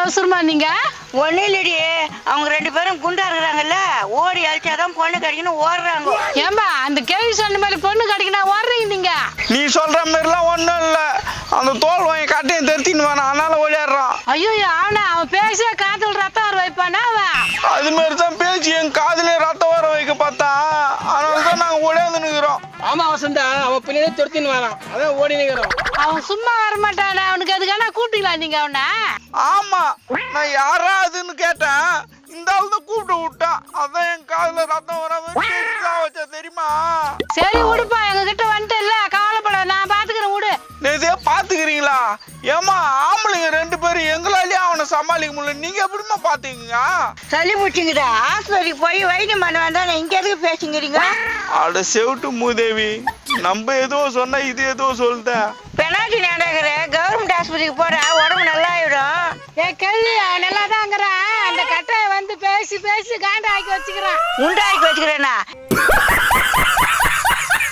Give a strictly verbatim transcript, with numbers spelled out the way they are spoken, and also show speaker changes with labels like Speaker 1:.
Speaker 1: அவசரமா நீங்க?
Speaker 2: ஒன்னும் இல்லடி, அவங்க ரெண்டு பேரும் குண்டா இருக்கிறாங்கல்ல, ஓடி அழிச்சாதான் பொண்ணு கிடைக்கணும் ஓடுறாங்க.
Speaker 1: ஏம்பா அந்த கேள்வி சொன்ன மாதிரி பொண்ணு கிடைக்கணும் ஓடுறீங்க நீங்க?
Speaker 3: நீ சொல்ற மாதிரிலாம் ஒன்றும் இல்லை. அந்த தோல் வாங்கி கட்டையும் தெரிச்சின்னு வேணாம், அதனால ஓடிடுறான்.
Speaker 1: ஐயோ அவனா அவன் பேசிய காதல் ரத்தம் வர வைப்பானா அவன்?
Speaker 3: அது மாதிரி தான் பேச்சு என் காதுல ரத்தம் வர வைக்க பார்த்தா, அதனால தான் நாங்கள் ஓடியாந்து நிற்கிறோம்.
Speaker 4: ஆமா வசந்தா, அவன் பின்னாடியே துரத்தின்னு வரான், அதான் ஓடி நிற்கிறோம்.
Speaker 1: அவன் சும்மா வரமாட்டானா? அவனுக்கு அதுக்கான கூப்பிட்டீங்களா நீங்க அவனை?
Speaker 3: ஆமா, நான் யாரா அதுன்னு கேட்டேன். இந்த ஆள் தான் கூப்பிட்டு விட்டான், அதான் என் காதுல ரத்தம் வராம வச்சா தெரியுமா?
Speaker 1: சரி விடுப்பா, எங்க கிட்ட வந்துட்டு இல்ல, கவலைப்பட, நான் பாத்துக்கிறேன் விடு.
Speaker 3: இதே பாத்துக்கிறீங்களா? ஏமா ஆம்பளைங்க ரெண்டு பேரும் எங்களாலேயே அவனை சமாளிக்க முடியல, நீங்க எப்படிமா பாத்துக்கீங்க?
Speaker 2: சளி முடிச்சுங்கடா, ஆஸ்பத்திரிக்கு போய் வைத்தியம் பண்ண வந்தா இங்க எதுக்கு பேசுங்கிறீங்க?
Speaker 3: அட செவிட்டு மூதேவி, நம்ம ஏதோ சொன்னா இது ஏதோ சொல்லுத.
Speaker 2: பெனால்டி நடக்கிற கவர்மெண்ட் ஆஸ்பத்திரிக்கு போற, உடம்பு நல்லா ஆயிடும்.
Speaker 1: ஏ கேள்வி நல்லா தாங்கிறான், அந்த கட்டையை வந்து பேசி பேசி காண்ட ஆக்கி வச்சுக்கிறான்.
Speaker 2: உண்டாக்கி வச்சுக்கிறேன்னா